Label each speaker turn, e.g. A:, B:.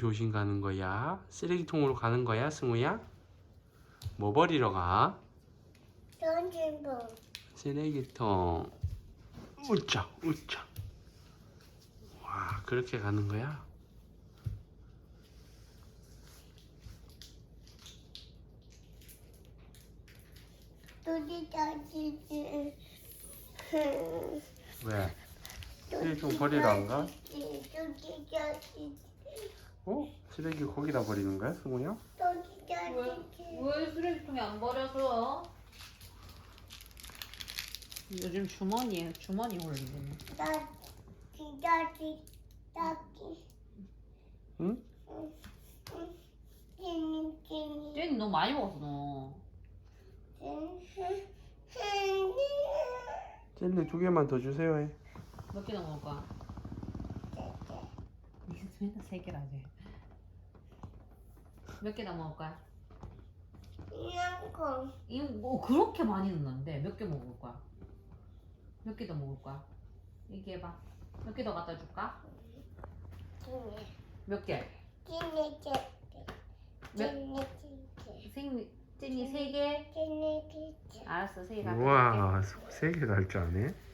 A: 조심 가는 거야? 쓰레기통으로 가는 거야, 승우야? 뭐 버리러 가?
B: 던진봉.
A: 쓰레기통. 우짜, 우짜. 와, 그렇게 가는 거야?
B: 또지 던지지.
A: 왜? 쓰레기통 버리러 안 가?
B: 또지 던지지.
A: 어? 쓰레기 거기다 버리는 거야, 승우야?
B: 또지 던지지.
C: 왜 쓰레기통에 안 버려줘? 요즘 주머니 올리네.
B: 나 진짜지 딱지.
A: 응?
B: 찐찐.
C: 쟤는 너무 많이 먹었어 너.
A: 젤리 2개만 더 주세요 해.
C: 몇 개나 먹을 거야? 맨날 3개라지. 몇 개나 먹을 거야?
B: 이만큼.
C: 뭐 그렇게 많이 넣는데 몇 개 먹을 거야? 몇 개 더 먹을 거야? 얘기해봐. 몇 개 더 갖다 줄까? 몇 개? 몇? 찐이 3개? 알았어, 3개 갖다 줄게.
A: 우와, 3개 갈 줄 아네?